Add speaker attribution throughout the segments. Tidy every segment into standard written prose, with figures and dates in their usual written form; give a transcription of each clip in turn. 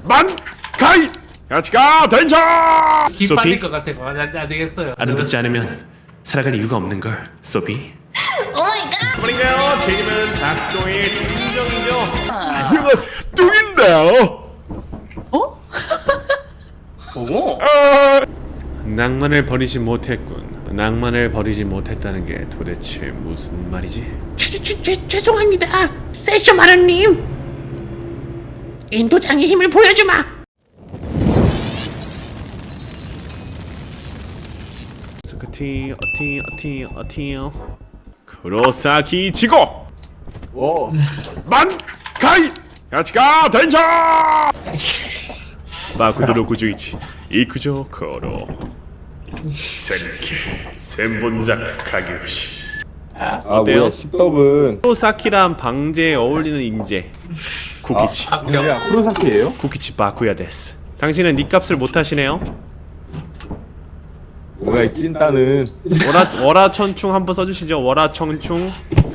Speaker 1: 가이 같이 가 댄션.
Speaker 2: 기 빠질 것 같아. 안 되겠어요.
Speaker 1: 아름답지 않으면 살아갈 이유가 없는 걸. 소피.
Speaker 3: 오마이갓.
Speaker 1: 그만인가요? 제 이름은 닭똥의 뚱정이죠. 안녕하세요, 뚱인데요.
Speaker 2: 어? 오.
Speaker 1: 낭만을 버리지 못했군. 낭만을 버리지 못했다는 게 도대체 무슨 말이지?
Speaker 4: 죄송합니다, 세쇼 마루님. 인도장의 힘을 보여주마.
Speaker 1: 스커티 어티요. 크로사키 지고.
Speaker 5: 오.
Speaker 1: 가이 같이 가 댄션. 마쿠도로 구주이치 이쿠조 코로 센케 센본작 가게우시. 어때요?
Speaker 5: 뭐야, 십덕은.
Speaker 1: 크로사키란 방제에 어울리는 인재 쿠키치.
Speaker 5: 뭐야, 프로사키예요?
Speaker 1: 쿠키치 바쿠야 데스. 당신은 니 값을 못하시네요.
Speaker 5: 뭐야, 이 찐따는.
Speaker 1: 월화천충 한번 써주시죠. 월화천충.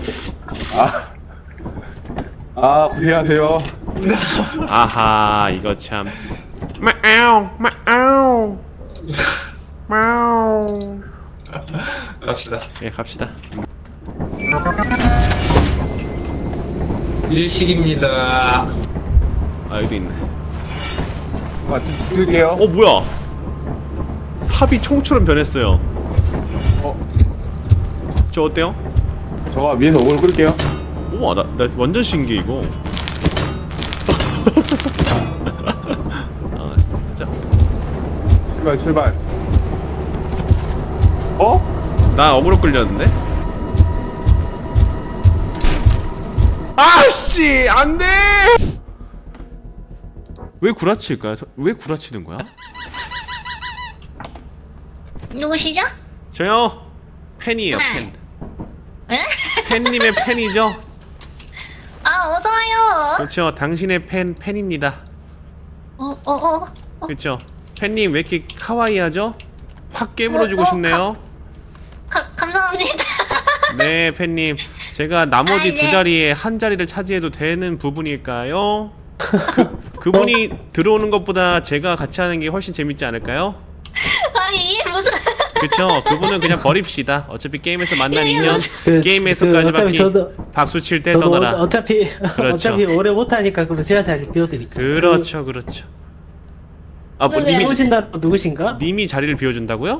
Speaker 5: 고생하세요.
Speaker 1: 아하, 이거 참. 마우.
Speaker 2: 갑시다.
Speaker 1: 예, 갑시다.
Speaker 2: 일식입니다.
Speaker 1: 아, 여기도 있네.
Speaker 5: 좀 찍을게요.
Speaker 1: 뭐야? 삽이 총처럼 변했어요. 저 어때요?
Speaker 5: 저가 위에서 오글 끌게요.
Speaker 1: 우와, 나 완전 신기해 이거. 자,
Speaker 5: 출발.
Speaker 1: 나 어그로 끌렸는데? 아씨, 안돼! 왜 구라칠까요? 왜 구라치는 거야?
Speaker 3: 누구시죠?
Speaker 1: 저요, 팬이에요, 팬.
Speaker 3: 에?
Speaker 1: 팬님의 팬이죠?
Speaker 3: 어서와요.
Speaker 1: 그렇죠, 당신의 팬입니다. 그렇죠. 팬님 왜 이렇게 카와이하죠? 확 깨물어주고 싶네요.
Speaker 3: 감사합니다.
Speaker 1: 네, 팬님. 제가 나머지
Speaker 3: 네.
Speaker 1: 두 자리에 한 자리를 차지해도 되는 부분일까요? 그분이 들어오는 것보다 제가 같이 하는 게 훨씬 재밌지 않을까요?
Speaker 3: 이게 무슨.
Speaker 1: 그쵸? 그분은 그냥 버립시다. 어차피 게임에서 만난
Speaker 3: 이게
Speaker 1: 인연,
Speaker 3: 무슨-
Speaker 1: 게임에서까지밖에
Speaker 6: 저도
Speaker 1: 박수 칠 때
Speaker 6: 저도
Speaker 1: 떠나라.
Speaker 6: 어차피
Speaker 1: 그렇죠.
Speaker 6: 오래 못하니까 그럼 제가 자리 비워드릴게요.
Speaker 1: 그렇죠. 뭐
Speaker 3: 누구야?
Speaker 6: 누구신다 누구신가?
Speaker 1: 님이 자리를 비워준다고요?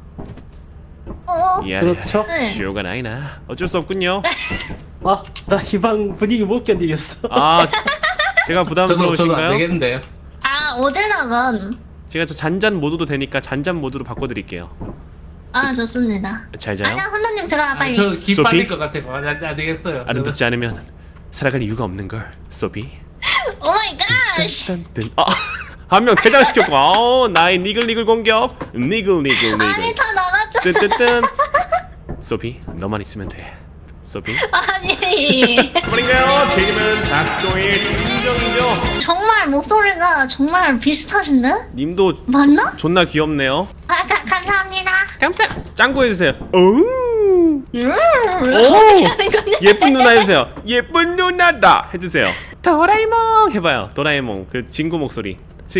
Speaker 1: 미안해.
Speaker 6: 그렇죠.
Speaker 3: 네.
Speaker 1: 쇼가 나이나. 어쩔 수 없군요.
Speaker 6: 나 이 방 분위기 못 견디겠어.
Speaker 1: 제가
Speaker 2: 저도 안
Speaker 1: 부담스러우신가요?
Speaker 2: 되겠는데요.
Speaker 3: 어딜 나간.
Speaker 1: 제가 저 잔잔 모드도 되니까 잔잔 모드로 바꿔드릴게요.
Speaker 3: 좋습니다.
Speaker 1: 잘 자요.
Speaker 3: 아니야, 혼자님 들어가, 빨리.
Speaker 2: 저기
Speaker 1: 소피?
Speaker 2: 빠질 것 같아. 안 되겠어요.
Speaker 1: 아름답지 않으면 살아갈 이유가 없는 걸. 소피.
Speaker 3: 오마이갓.
Speaker 1: 딴딴. 한 명 퇴장시켰고. 나의 니글니글 공격. 니글.
Speaker 3: 아니, 다 나갔죠.
Speaker 1: 뜬뜬뜬. 소피, 너만 있으면 돼. 소피.
Speaker 3: 아니.
Speaker 1: 그만인가요? 제 이름은 닭똥의 뚱정이죠.
Speaker 3: 정말 목소리가 정말 비슷하신데?
Speaker 1: 님도
Speaker 3: 맞나?
Speaker 1: 존나 귀엽네요.
Speaker 3: 감사합니다.
Speaker 1: 짱구 해주세요. 오.
Speaker 3: 어떻게 하는 거냐?
Speaker 1: 예쁜 누나 해주세요. 예쁜 누나다 해주세요. 도라에몽 해봐요. 도라에몽 그 친구 목소리.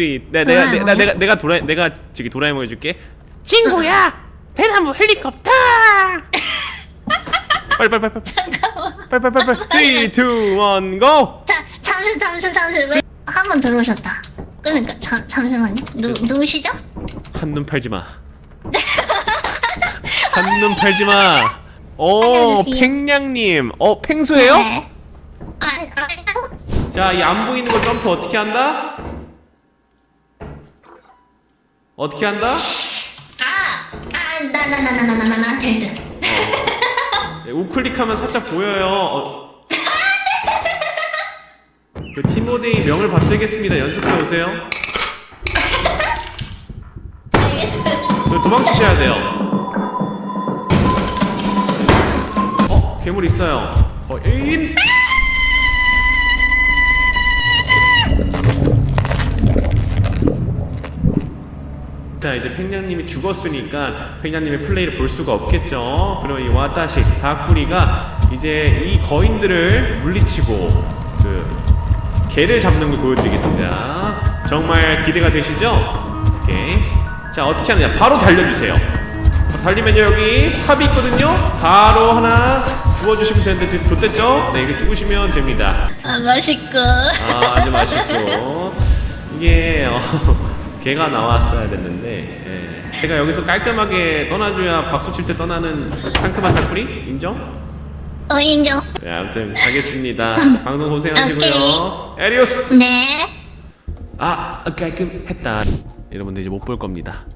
Speaker 1: 내가 저기 도라에몽 해줄게.
Speaker 4: 친구야, 대나무 헬리콥터.
Speaker 1: 빨리.
Speaker 3: 잠깐만.
Speaker 1: 3, 2, 1, go.
Speaker 3: 잠시. 왜? 한 번 들어오셨다. 그러니까, 잠시만요. 누구시죠?
Speaker 1: 한눈 팔지 마. 한눈 팔지 마.
Speaker 3: 알려주세요.
Speaker 1: 팽냥님. 팽수예요?
Speaker 3: 네.
Speaker 1: 자, 이 안 보이는 거 점프 어떻게 한다? 어떻게 한다?
Speaker 3: 나 데드.
Speaker 1: 네, 우클릭하면 살짝 보여요. 그 티모데이 명을 받들겠습니다. 연습해 오세요. 도망치셔야 돼요. 괴물 있어요. 인. 자, 이제 팽냥님이 죽었으니까 팽냥님의 플레이를 볼 수가 없겠죠. 그리고 이 와타시 다꾸리가 이제 이 거인들을 물리치고 그 개를 잡는 걸 보여드리겠습니다. 정말 기대가 되시죠? 오케이. 자, 어떻게 하느냐? 바로 달려주세요. 달리면요, 여기 삽이 있거든요. 바로 하나 주워주시면 되는데 좋댔죠? 네, 이게 죽으시면 됩니다.
Speaker 3: 아, 맛있고.
Speaker 1: 아, 아주 맛있고. 이게 개가 나왔어야 됐는데, 예. 제가 여기서 깔끔하게 떠나줘야 박수 칠 때 떠나는 상큼한 닭뿌리 인정?
Speaker 3: 인정.
Speaker 1: 네, 아무튼 가겠습니다. 방송 고생하시고요. 에리오스.
Speaker 3: 네.
Speaker 1: 아, 깔끔했다. 여러분들 이제 못 볼 겁니다.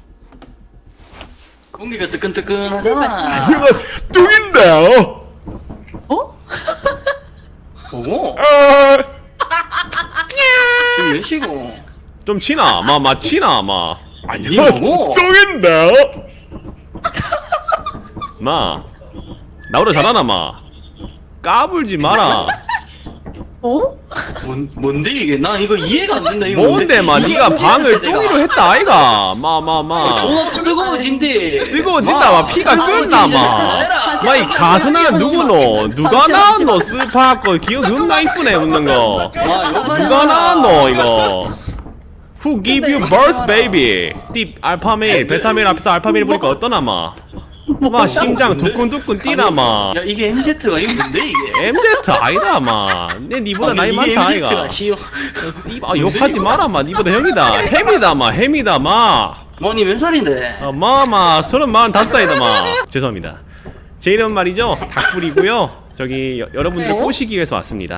Speaker 7: 공기가 뜨끈뜨끈하잖아.
Speaker 1: 안녕하세요, 뚱인데요.
Speaker 7: 어? 뭐고?
Speaker 1: 아,
Speaker 7: 지금 몇 시고?
Speaker 1: 좀 치나, 치나, 안녕하세요,
Speaker 7: 뭐고?
Speaker 1: 뚱인데요. 나보다 잘하나, 까불지 마라.
Speaker 7: 어? 뭔데 이게? 나 이거 이해가 안 된다. 이거
Speaker 1: 뭔데, 네가 방을 뚱이로 했다, 아이가.
Speaker 7: 어, 뜨거워진대.
Speaker 1: 뜨거워진다, 피가 끓나, 이 가수는 누구노? 누가 나왔노? 스파거 기억 겁나 이쁘네, 웃는 거. 누가 나왔노, 이거? Who give you birth, baby? 띠 알파메일, 베타메일 앞에서 알파메일 보니까 어떠나, 심장 두근두근 뛰나,
Speaker 7: 야 이게 MZ가 이거 뭔데 이게?
Speaker 1: MZ 아니다, 내 니보다 나이 많다, 아이가. 욕하지 마라, 니보다 형이다. 햄이다,
Speaker 7: 뭐니 몇 살인데?
Speaker 1: 35살이다, 죄송합니다. 제 이름 말이죠, 닭불이고요. 저기 여러분들을 꼬시기 위해서 왔습니다.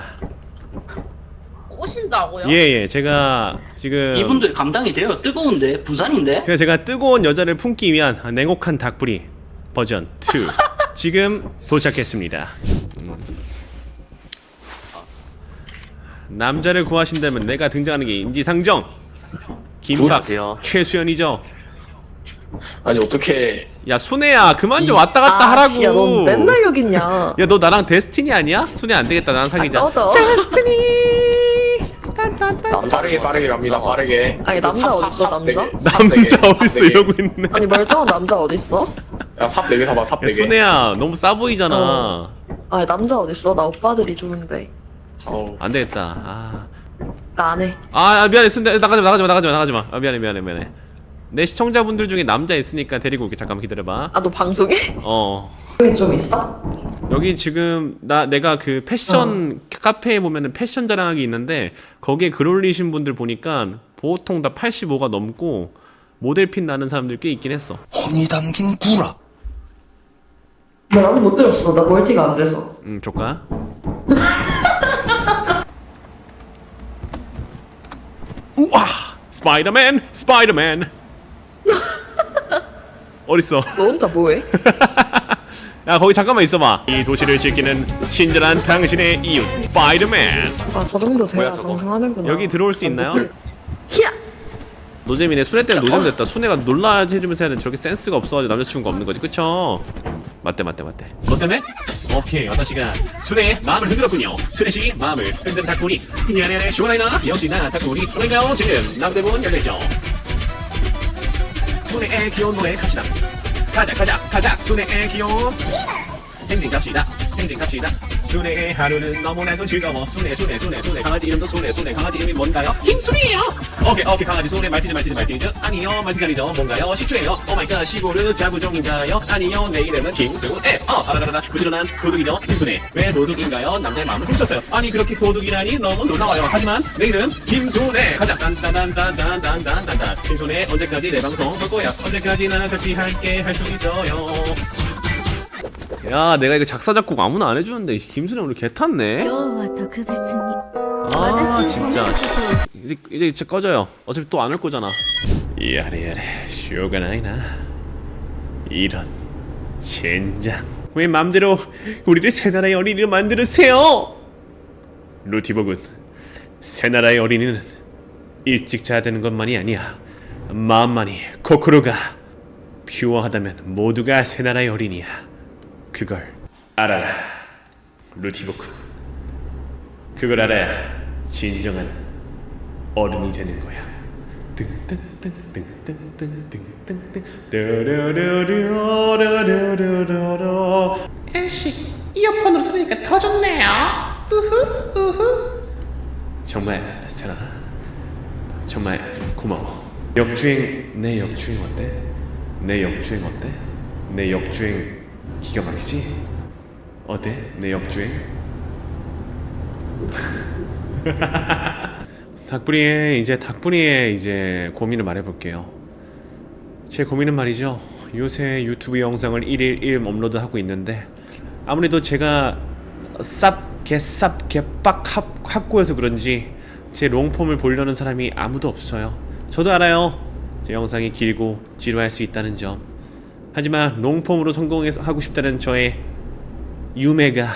Speaker 8: 오신다고요?
Speaker 1: 예, 제가 지금
Speaker 7: 이분들 감당이 돼요? 뜨거운데? 부산인데?
Speaker 1: 그래서 제가 뜨거운 여자를 품기 위한 냉혹한 닭불이 버전 2 지금 도착했습니다. 남자를 구하신다면 내가 등장하는 게 인지상정. 김밥
Speaker 7: 구하세요.
Speaker 1: 최수연이죠.
Speaker 5: 아니 어떻게
Speaker 1: 야, 순애야, 그만 좀 왔다 갔다 하라고.
Speaker 9: 야, 넌 맨날 여기 있냐?
Speaker 1: 야, 너 나랑 데스티니 아니야? 순애 안 되겠다, 나랑 사귀자.
Speaker 9: 꺼져.
Speaker 1: 데스티니.
Speaker 5: 빠르게 갑니다. 빠르게.
Speaker 9: 아니, 남자 어딨어, 남자?
Speaker 1: 남자 어딨어 이러고 있네.
Speaker 9: 아니, 멀쩡한 남자 어딨어?
Speaker 5: 야삽 4개 사봐. 삽
Speaker 1: 야,
Speaker 5: 4개.
Speaker 1: 순애야, 너무 싸 보이잖아.
Speaker 9: 아니, 남자 어딨어? 나 오빠들이 좋은데.
Speaker 1: 안 되겠다.
Speaker 9: 나 안 해.
Speaker 1: 미안해, 순애. 나가지 마. 미안해. 내 시청자분들 중에 남자 있으니까 데리고 올게. 잠깐만 기다려봐.
Speaker 9: 아, 너 방송해? 여기 좀 있어?
Speaker 1: 여기 지금 내가 그 패션 카페에 보면은 패션 자랑하기 있는데 거기에 글 올리신 분들 보니까 보통 다 85가 넘고 모델핀 나는 사람들 꽤 있긴 했어.
Speaker 10: 혼이 담긴 구라.
Speaker 9: 나도 못 들었어. 나 멀티가 안 돼서.
Speaker 1: 줄까? 우와! 스파이더맨! 어딨어?
Speaker 9: 너 혼자 뭐해?
Speaker 1: 야, 거기 잠깐만 있어봐. 이 도시를 지키는 친절한 당신의 이웃 스파이더맨.
Speaker 9: 아, 저 정도 돼야 방송하는구나.
Speaker 1: 여기 들어올 수 있나요?
Speaker 9: 히야!
Speaker 1: 노잼이네. 순애 때문에 노잼 됐다. 순애가 놀라 해주면서 해야 돼. 저렇게 센스가 없어가지고 남자친구가 없는 거지, 그쵸? 맞대. 너 때문에? 오케이, 와타시가 순애의 마음을 흔들었군요. 순애씨 마음을 흔든 닭구리. 미안해, 시원하이나? 역시 나 닭구리. 그러니까요, 지금 남대문 열려있죠. 순애의 귀여운 노래 갑시다. 가자. 순애의 귀여운 행진 갑시다. 순애의 하루는 너무나도 즐거워. 순애. 강아지 이름도 순애. 강아지 이름이 뭔가요?
Speaker 4: 김순이에요.
Speaker 1: 오케이, 강아지 순애. 말티즈. 아니요, 말티즈 아니죠. 뭔가요? 식초예요. 오마이갓, 시골은 자구종인가요? 아니요, 내 이름은 김순애. 아라라라, 부지런한 도둑이죠. 김순애. 왜 도둑인가요? 남자의 마음을 훔쳤어요. 아니, 그렇게 도둑이라니 너무 놀라워요. 하지만 내 이름 김순애. 가자. 딴딴딴딴딴딴딴딴. 김순애, 언제까지 내 방송 볼 거야? 언제까지나 같이 할게 할 수 있어요. 야, 내가 이거 작사 작곡 아무나 안 해주는데 김순애 오늘 개 탔네. 아, 진짜. 이제 진짜 꺼져요. 어차피 또 안 올 거잖아. 야래 쇼가 나이나. 이런 젠장. 왜 맘대로 우리를 새 나라의 어린이로 만들으세요? 루티버군, 새 나라의 어린이는 일찍 자야 되는 것만이 아니야. 마음만이, 코코로가 퓨어하다면 모두가 새 나라의 어린이야. 그걸 알아라, 루티버군. 그걸 알아야 진정한 어른이 되는 거야.
Speaker 4: 애쉬, 이어폰으로 들으니까 더 좋네요. 우후.
Speaker 1: 정말 세나 정말 고마워. 역주행, 내 역주행 어때? 내 역주행 어때? 내 역주행 기가 막히지? 어때? 내 역주행? 닭부리의 이제 고민을 말해볼게요. 제 고민은 말이죠. 요새 유튜브 영상을 1일 1 업로드하고 있는데 아무래도 제가 개빡 확고해서 그런지 제 롱폼을 보려는 사람이 아무도 없어요. 저도 알아요. 제 영상이 길고 지루할 수 있다는 점. 하지만 롱폼으로 성공해서 하고 싶다는 저의 유매가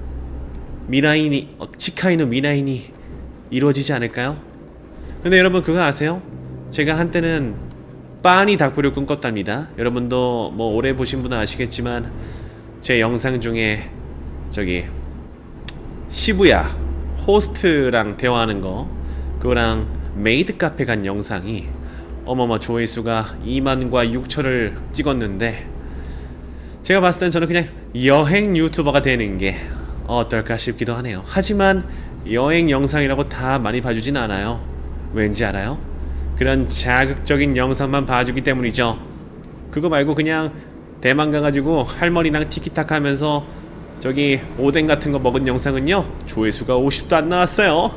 Speaker 1: 치카이노 미나인이 이루어지지 않을까요? 근데 여러분 그거 아세요? 제가 한때는 빤히 닭부리를 꿈꿨답니다. 여러분도 뭐 오래 보신 분은 아시겠지만 제 영상 중에 저기 시부야 호스트랑 대화하는 거, 그거랑 메이드 카페 간 영상이 어머머 조회수가 2만과 6천을 찍었는데 제가 봤을 땐 저는 그냥 여행 유튜버가 되는 게 어떨까 싶기도 하네요. 하지만 여행 영상이라고 다 많이 봐주진 않아요. 왠지 알아요? 그런 자극적인 영상만 봐주기 때문이죠. 그거 말고 그냥 대만 가가지고 할머니랑 티키타카 하면서 저기 오뎅 같은 거 먹은 영상은요 조회수가 50도 안 나왔어요.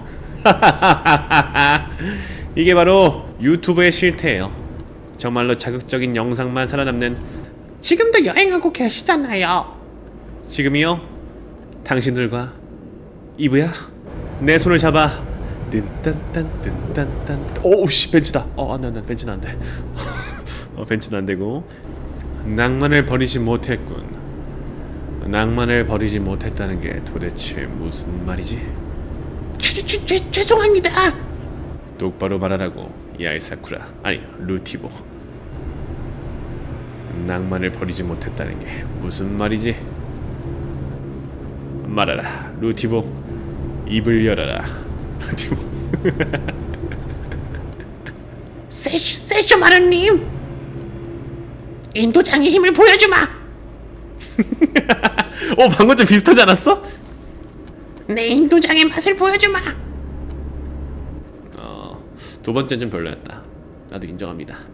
Speaker 1: 이게 바로 유튜브의 실태예요. 정말로 자극적인 영상만 살아남는.
Speaker 4: 지금도 여행하고 계시잖아요.
Speaker 1: 지금이요? 당신들과 이브야 내 손을 잡아 뜬딴딴 오우씨 벤츠다. 난 벤츠는 안돼. 벤츠는 안되고 낭만을 버리지 못했군. 낭만을 버리지 못했다는 게 도대체 무슨 말이지?
Speaker 4: 죄송합니다.
Speaker 1: 똑바로 말하라고 야이 사쿠라, 아니 루티보. 낭만을 버리지 못했다는 게 무슨 말이지? 말하라 루티보. 입을 열어라 루티보.
Speaker 4: 세쇼 마루님, 인도장의 힘을 보여주마.
Speaker 1: 방금 좀 비슷하지 않았어?
Speaker 4: 내 인도장의 맛을 보여주마.
Speaker 1: 두 번째는 좀 별로였다. 나도 인정합니다.